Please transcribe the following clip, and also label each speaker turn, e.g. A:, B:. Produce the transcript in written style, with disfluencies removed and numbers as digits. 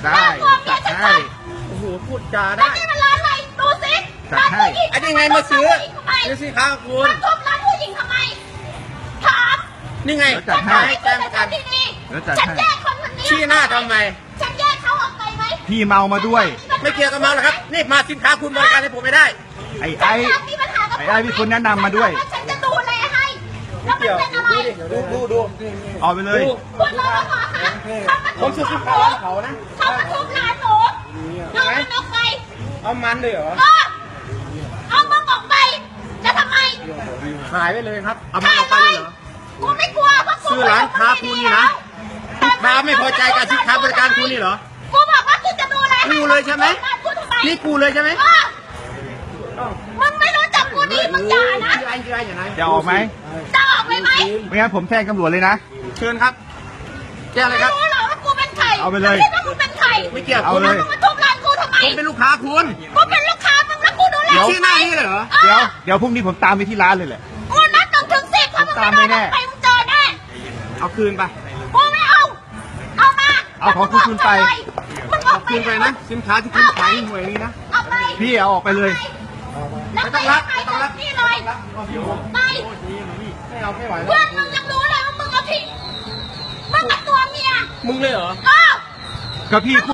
A: ได้จัดให้โอ้โหพูดจาได้
B: นี่มันร้านอะไรดูสิร้านผู้หญิง
A: อันนี้ไงมาซื้อนี่สิครับคุณ
B: มาทุบร้านผู้หญิงทำไมถาม
A: นี่ไง
B: จัดให้
A: แจ้งประกัน
B: ฉันแยกคนนี้
A: ชี้หน้าทำไม
B: ฉันแยกเขาออกไปไหม
C: พี่เมามาด้วย
A: ไม่เกี่ยวกับเมาหรอกครับนี่มาสินค้าคุณบริการให้ผมไม่ได้
C: ไอ้
B: มีปัญหากับ
C: ไอ้มีคนแนะนำมาด้วย
B: ฉันจะดูแลให้แล้วมันเป็นอะไร
A: ดู
C: เอาไปเลย
B: คุณรอปภคะเขามาทุบร้านเขานะเขามาทุบร้านหนูเอามันออกไป
A: เอามันเลยเหรอ
B: เอามึงออกไปจะทำไม
A: ขายไปเลยครับเอามันออกไปเลยเหรอ
B: กูไม่กลัวเพราะกู
A: ซื้อร้านค้าคุณนี่นะลูกค้าไม่พอใจกับสินค้าบริการคุณนี่เหรอ
B: กูบอกว่ากูจะดูแล
A: กูเลยใช่ไหม
B: กูทำไม
A: นี่กูเลยใช่ไหม
B: มึงไม่รู้จักกูดีมึงอย่านะ
A: ชื่ออะไรอย่างไร
C: จะออกไหม
B: จะออกไปไหม
C: ไม่งั้นผมแจ้งตำรวจเลยนะ
A: เชิญครับแจ้งเลยครับ
B: ไม่รู้หรอกว่ากูเป็นใคร
C: เอาไปเลย
B: คิดว่ากูเป็นใคร
A: ไม่เกี่ยว
C: เอาเลย
B: มึงมาทุบร้านกูทำไม
A: ผมเป็นลูกค้าคุณ
B: กูเป็นลูกค้ามึงแล้วกูดูแล
A: ชื่อหน้านี่เลยเหรอ
C: เดี๋ยวพรุ่งนี้ผมตามไปที่ร้านเลยแหละ
B: กูนัดถึง10ถ้ามึง
C: ตามไม่
B: ไม่
C: แน่
B: ได้ไปมึงเจอแน่
A: เอาคืนไป
B: กูไม่เอาเอามา
C: เอาของคุณไป
B: มึงออกไป
A: คืนไปนะสินค้าที่คุณขายหวยนี้นะ
B: เอาไป
C: พี่เอาออกไปเลย
B: แล้วไปขายของนี่เลยไป
A: ไม่เอาไม่ไหวแล้
B: เพื่อ
A: วน
B: มึงยังรู้เลยว่ามึงเอาผิดมึงกับตัวเมีย
A: มึงเลยเหรอ
B: เออ
C: ก็พี่